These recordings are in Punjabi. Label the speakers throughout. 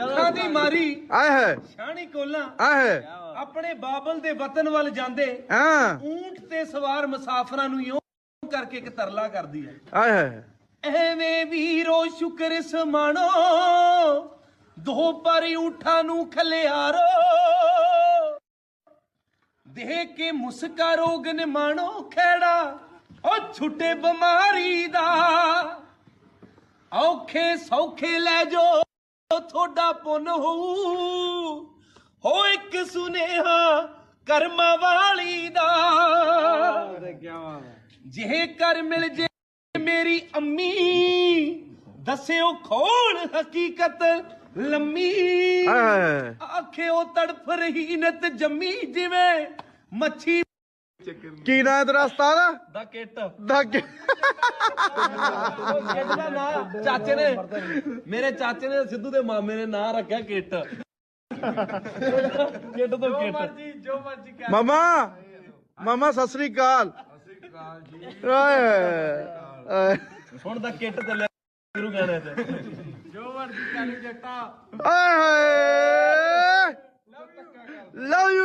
Speaker 1: ਅੱਖਾਂ ਦੀ ਮਾਰੀ
Speaker 2: ਆਏ ਹੈ
Speaker 1: ਸ਼ਾਣੀ ਕੋਲਾਂ
Speaker 2: ਆਏ ਹੈ
Speaker 1: ਆਪਣੇ ਬਾਬਲ ਦੇ ਵਤਨ ਵੱਲ ਜਾਂਦੇ
Speaker 2: ਹਾਂ
Speaker 1: ਊਂਟ ਤੇ ਸਵਾਰ ਮੁਸਾਫਰਾਂ ਨੂੰ ਇਉਂ ਕਰਕੇ ਇੱਕ ਤਰਲਾ ਕਰਦੀ ਹੈ
Speaker 2: ਆਏ ਹੈ
Speaker 1: ਐਵੇਂ ਵੀਰੋ ਸ਼ੁਕਰ ਸਮਾਣੋ ਦੋ ਪਰ ਊਠਾਂ ਨੂੰ ਖਲਿਆਰੋ ਦੇਖ ਕੇ ਮੁਸਕਾ ਰੋਗ ਨਿਮਾਣੋ ਖੇੜਾ ਉਹ ਛੁੱਟੇ ਬਿਮਾਰੀ ਦਾ ਔਖੇ ਸੌਖੇ ਲੈ ਜੋ ਤੁਹਾਡਾ ਪੁੰਨ ਹੋਊ ਹੋ ਇੱਕ ਸੁਨੇਹਾ ਕਰਮਾਂ ਵਾਲੀ ਦਾ ਜੇ ਕਰ ਮਿਲ ਜੇ ਮੇਰੀ ਅੰਮੀ ਦੱਸਿਓ ਖੋਲ ਹਕੀਕਤ ਲੰਮੀ ਆਖਿਓ ਤੜਫ ਰਹੀ ਨਤ ਜੰਮੀ ਜਿਵੇਂ ਮੱਛੀ
Speaker 2: ਕੀ ਨਾਂ ਤੇਰਾ ਉਸਤਾਦ
Speaker 1: ਦਾ ਕਿੱਟ
Speaker 2: ਦਾ
Speaker 1: ਦਾ ਨਾਂ ਚਾਚੇ ਨੇ ਮੇਰੇ ਚਾਚੇ ਨੇ ਸਿੱਧੂ ਦੇ ਮਾਮੇ ਨੇ ਨਾਂ ਰੱਖਿਆ ਕਿੱਟ ਕਿੱਟ ਤੋਂ ਕਿੱਟ ਜੋ ਮਰਜੀ
Speaker 2: ਮਾਮਾ ਸਤਿ ਸ੍ਰੀ ਅਕਾਲ ਓਏ
Speaker 1: ਹੁਣ ਦਾ ਕਿੱਟ ਚੱਲਿਆ ਸ਼ੁਰੂ ਗਾਣੇ ਤੇ ਜੋ ਮਰਜੀ ਚੱਲ ਜੱਟਾ
Speaker 2: ਓਏ ਲਵ ਯੂ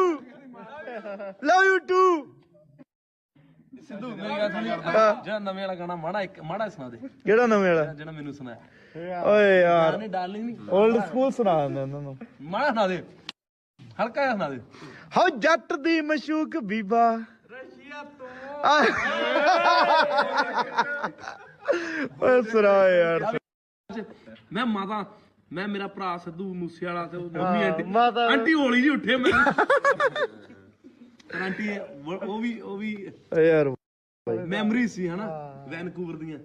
Speaker 2: ਟੂ
Speaker 1: ਸਿੱਧੂ ਮੇਰੀ ਗੱਲ ਸੁਣੀ ਜਿਹੜਾ ਨਵੇਂ ਵਾਲਾ ਗਾਣਾ ਮਾੜਾ ਸੁਣਾ ਦੇ
Speaker 2: ਕਿਹੜਾ ਨਵੇਂ ਵਾਲਾ
Speaker 1: ਜਿਹੜਾ ਮੈਨੂੰ ਸੁਣਾਇਆ
Speaker 2: ਓਏ ਯਾਰ
Speaker 1: ਨਹੀਂ ਡਾਰਲਿੰਗ ਨਹੀਂ
Speaker 2: 올ਡ ਸਕੂਲ ਸੁਣਾ ਦਿੰਦਾ ਉਹਨਾਂ ਨੂੰ
Speaker 1: ਮਾੜਾ ਸੁਣਾ ਦੇ ਹਲਕਾ ਜਿਹਾ ਸੁਣਾ ਦੇ
Speaker 2: ਹੋ ਜੱਟ ਦੀ ਮਸ਼ੂਕ ਬੀਬਾ
Speaker 1: ਰਸ਼ੀਆ ਤੋਂ
Speaker 2: ਓਏ ਸੁਣਾ ਯਾਰ
Speaker 1: ਮੈਂ ਮੇਰਾ ਭਰਾ ਸਿੱਧੂ ਮੂਸੇ ਵਾਲਾ ਤੇ ਮੰਮੀ
Speaker 2: ਮਾਤਾ
Speaker 1: ਆਂਟੀ ਹੌਲੀ ਜੀ ਉੱਠੇ ਮੈਂ ਆਂਟੀ ਉਹ ਵੀ
Speaker 2: ਯਾਰ
Speaker 1: ਮੈਮਰੀ ਸੀ ਹਨਾ ਵੈਨਕੂਵਰ ਦੀਆਂ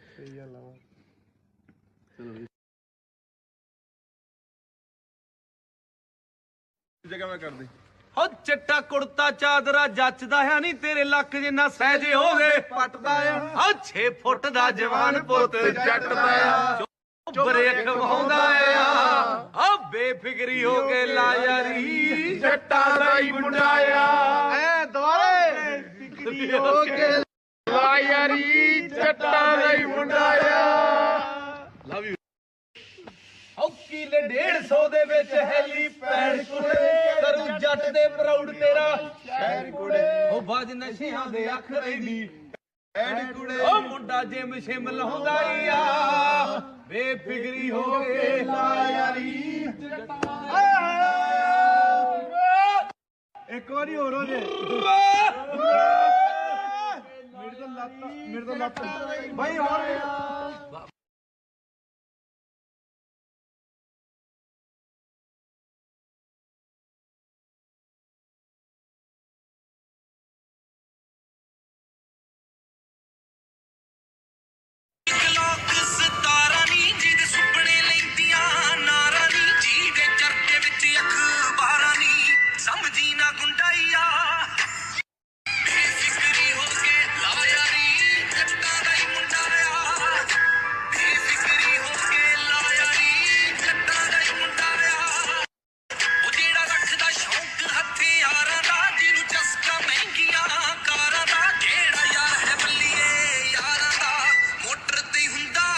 Speaker 2: ਜਗ੍ਹਾ ਮੈਂ ਕਰਦੇ
Speaker 1: ਹੋ ਚਿੱਟਾ ਕੁੜਤਾ ਚਾਦਰਾ ਜੱਚਦਾ ਹੈ ਨਹੀਂ ਤੇਰੇ ਲੱਕ ਜਿੰਨਾ ਸਹਿਜੇ ਹੋਵੇ
Speaker 2: ਪੱਟਦਾ ਆ
Speaker 1: ਹੋ 6 ਫੁੱਟ ਦਾ ਜਵਾਨ ਪੁੱਤ ਜੱਟਦਾ ਆ ਬਰੇ ਖਵਾਉਂਦਾ ਆ ਆ ਬੇਫਿਕਰੀ ਹੋ ਕੇ ਲਾ ਯਾਰੀ
Speaker 2: ਜੱਟਾਂ ਦਾ ਹੀ ਮੁੰਡਾ ਆ ਐ ਦੁਆਰੇ ਫਿਕਰੀ ਹੋ ਕੇ ਲਾ ਯਾਰੀ ਜੱਟਾਂ ਦਾ ਹੀ ਮੁੰਡਾ ਆ
Speaker 1: ਲਵ ਯੂ ਹੋ ਕਿਲੇ 150 ਦੇ ਵਿੱਚ ਹੈਲੀ ਪੈਣ ਕੁੜੇ ਕਰੂ ਜੱਟ ਦੇ ਪ੍ਰਾਊਡ ਤੇਰਾ
Speaker 2: ਸ਼ਹਿਰ ਕੁੜੇ
Speaker 1: ਉਹ ਬਾਜ ਨਸ਼ਿਆਂ ਦੇ ਅੱਖ ਰਹਿੰਦੀ
Speaker 2: ਐਡ ਕੁੜੇ
Speaker 1: ਉਹ ਮੁੰਡਾ ਜਿਮ ਸ਼ਿਮ ਲਾਉਂਦਾ ਆ ਬੇਫਿਕਰੀ ਹੋ ਕੇ
Speaker 2: ਲਾ ਯਾਰੀ ਇੱਕ ਵਾਰੀ ਹੋਰ ਹੋ ਜੇ ਮੇਰੇ ਤੋਂ ਲੱਤ ਭਾਈ ਹੋਰ
Speaker 3: ਸਮਝੀ ਨਾ ਗੁੰਡਾਈਆ ਬੇਫਿਕਰੀ ਹੋ ਕੇ ਲਾ ਯਾਰੀ ਜੱਟਾਂ ਦਾ ਹੀ ਮੁੰਡਾ ਆ ਬੇਫਿਕਰੀ ਹੋ ਕੇ ਲਾ ਯਾਰੀ ਜੱਟਾਂ ਦਾ ਹੀ ਮੁੰਡਾ ਆ ਉਹ ਜਿਹੜਾ ਰੱਖਦਾ ਸ਼ੌਂਕ ਹਥਿਆਰਾਂ ਦਾ ਜਿਹਨੂੰ ਚਸਕਾ ਮਹਿੰਗੀਆਂ ਕਾਰਾਂ ਦਾ ਜਿਹੜਾ ਯਾਰ ਹੈ ਬੱਲੀਏ ਯਾਰਾਂ ਦਾ ਮੋਟਰ ਤੇ ਹੁੰਦਾ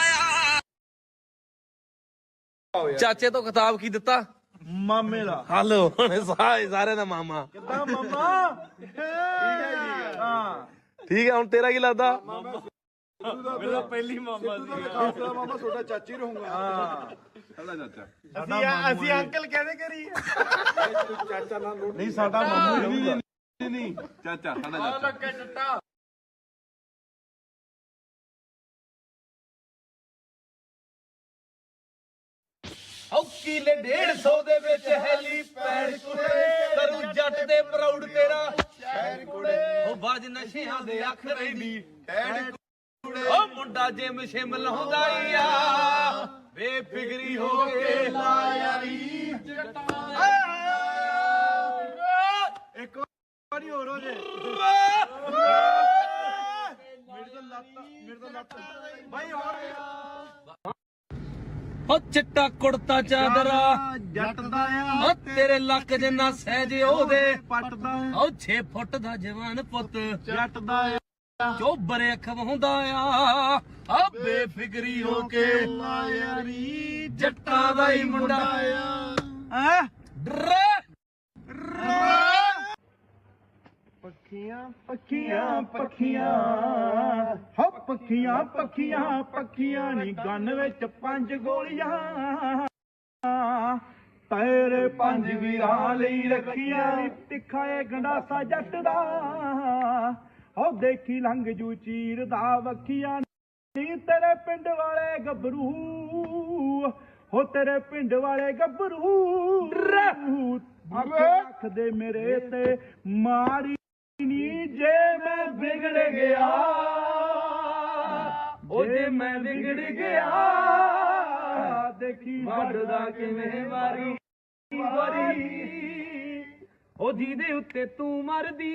Speaker 3: ਆ
Speaker 1: ਚਾਚੇ ਤੋਂ ਖਿਤਾਬ ਕੀ ਦਿੱਤਾ
Speaker 2: ਮਾਮੇ ਦਾ
Speaker 1: ਹਲੋ ਹੁਣ ਸਾਰੇ ਦਾ ਮਾਮਾ
Speaker 2: ਕਿੱਦਾਂ ਮਾਮਾ ਠੀਕ ਹੈ ਜੀ ਹਾਂ
Speaker 1: ਠੀਕ ਹੈ ਹੁਣ ਤੇਰਾ ਕੀ ਲੱਗਦਾ
Speaker 2: ਮੇਰਾ ਪਹਿਲੀ ਮਾਮਾ ਸੀ ਖਾਸਾ ਮਾਮਾ ਛੋਟਾ ਚਾਚੀ ਰਹੂੰਗਾ ਹਾਂ ਸਾਡਾ ਚਾਚਾ ਅਸੀਂ ਅੰਕਲ ਕਹਿੰਦੇ ਕਰੀ ਚਾਚਾ ਨਾਲ ਨਹੀਂ ਸਾਡਾ ਮਾਮੂ ਨਹੀਂ
Speaker 1: ਚਾਚਾ ਸਾਡਾ ਚਾਚਾ ਉਹ ਕਿਲੇ 150 ਦੇ ਵਿੱਚ ਹੈਲੀ ਪੈਣ ਕੁੜੇ ਕਰੂ ਜੱਟ ਦੇ ਪ੍ਰਾਊਡ ਤੇਰਾ
Speaker 2: ਸ਼ਹਿਰ ਕੁੜੇ
Speaker 1: ਉਹ ਬਾਜ ਨਸ਼ਿਆਂ ਦੇ ਅੱਖ ਰਹਿੰਦੀ
Speaker 2: ਐਡ ਕੁੜੇ
Speaker 1: ਉਹ ਮੁੰਡਾ ਜਿਮ ਸ਼ਿਮ ਲਾਉਂਦਾ ਆ ਬੇਫਿਕਰੀ ਹੋ ਕੇ ਲਾ ਯਾਰੀ
Speaker 2: ਇੱਕ ਵਾਰੀ ਹੋਰ ਹੋ ਜੇ ਮੇਰੇ ਤੋਂ ਲੱਤ ਭਾਈ ਹੋਰ
Speaker 1: ਉਹ ਚਿੱਟਾ ਕੁੜਤਾ ਚਾਦਰਾ
Speaker 2: ਜੱਟ ਦਾ ਆ
Speaker 1: ਉਹ ਤੇਰੇ ਲੱਕ ਜਿੰਨਾ ਸਹਿਜ ਉਹਦੇ
Speaker 2: ਪੱਟਦਾ
Speaker 1: ਉਹ 6 ਫੁੱਟ ਦਾ ਜਵਾਨ ਪੁੱਤ
Speaker 2: ਜੱਟ ਦਾ
Speaker 1: ਚੋਬਰੇ ਖਵਾਉਂਦਾ ਆ ਬੇਫਿਕਰੀ ਹੋ ਕੇ
Speaker 2: ਯਾਰੀ
Speaker 1: ਜੱਟਾਂ ਦਾ ਹੀ ਮੁੰਡਾ
Speaker 2: ਆ
Speaker 4: ਪੱਖੀਆਂ ਪੱਖੀਆਂ ਪੱਖੀਆਂ ਹੋ ਪੱਖੀਆਂ ਪੱਖੀਆਂ ਪੱਖੀਆਂ ਨੀ ਗੰਨ ਵਿੱਚ 5 ਗੋਲੀਆਂ ਤੇਰੇ 5 ਵੀਰਾਂ ਲਈ ਰੱਖੀਆਂ ਤਿੱਖਾ ਏ ਗੰਡਾਸਾ ਜੱਟ ਦਾ ਹੋ ਦੇਖੀ ਲੰਘ ਜੂ ਚੀਰ ਦਾ ਵੱਖੀਆਂ ਨੀ ਤੇਰੇ ਪਿੰਡ ਵਾਲੇ ਗੱਭਰੂ ਹੋ ਤੇਰੇ ਪਿੰਡ ਵਾਲੇ ਗੱਭਰੂ ਅੱਖ ਦੇ ਮੇਰੇ ਤੇ ਮਾਰੀ ਨੀ ਜੇ ਮੈਂ ਵਿਗੜ ਗਿਆ ਉਹ ਜੇ ਮੈਂ ਵਿਗੜ ਗਿਆ ਦੇਖੀ ਵੱਢਦਾ ਕਿਵੇਂ ਵਾਰੀ ਉਹ ਜਿਹਦੇ ਉੱਤੇ ਤੂੰ ਮਰਦੀ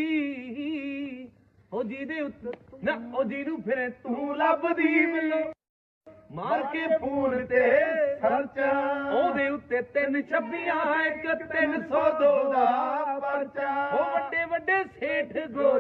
Speaker 4: ਉਹ ਜਿਹਦੇ ਉੱਤੇ ਨਾ ਉਹ ਜਿਹਨੂੰ ਫਿਰ ਤੂੰ ਲੱਭਦੀ ਮੈਨੂੰ ਮਾਰ ਕੇ ਫੋਨ ਤੇ ਖਰਚਾ ਉਹਦੇ ਉੱਤੇ 326 ਇੱਕ 302 ਦਾ ਪਰਚਾ ਉਹ ਵੱਡੇ ਵੱਡੇ ਸੇਠ ਗੋਰੇ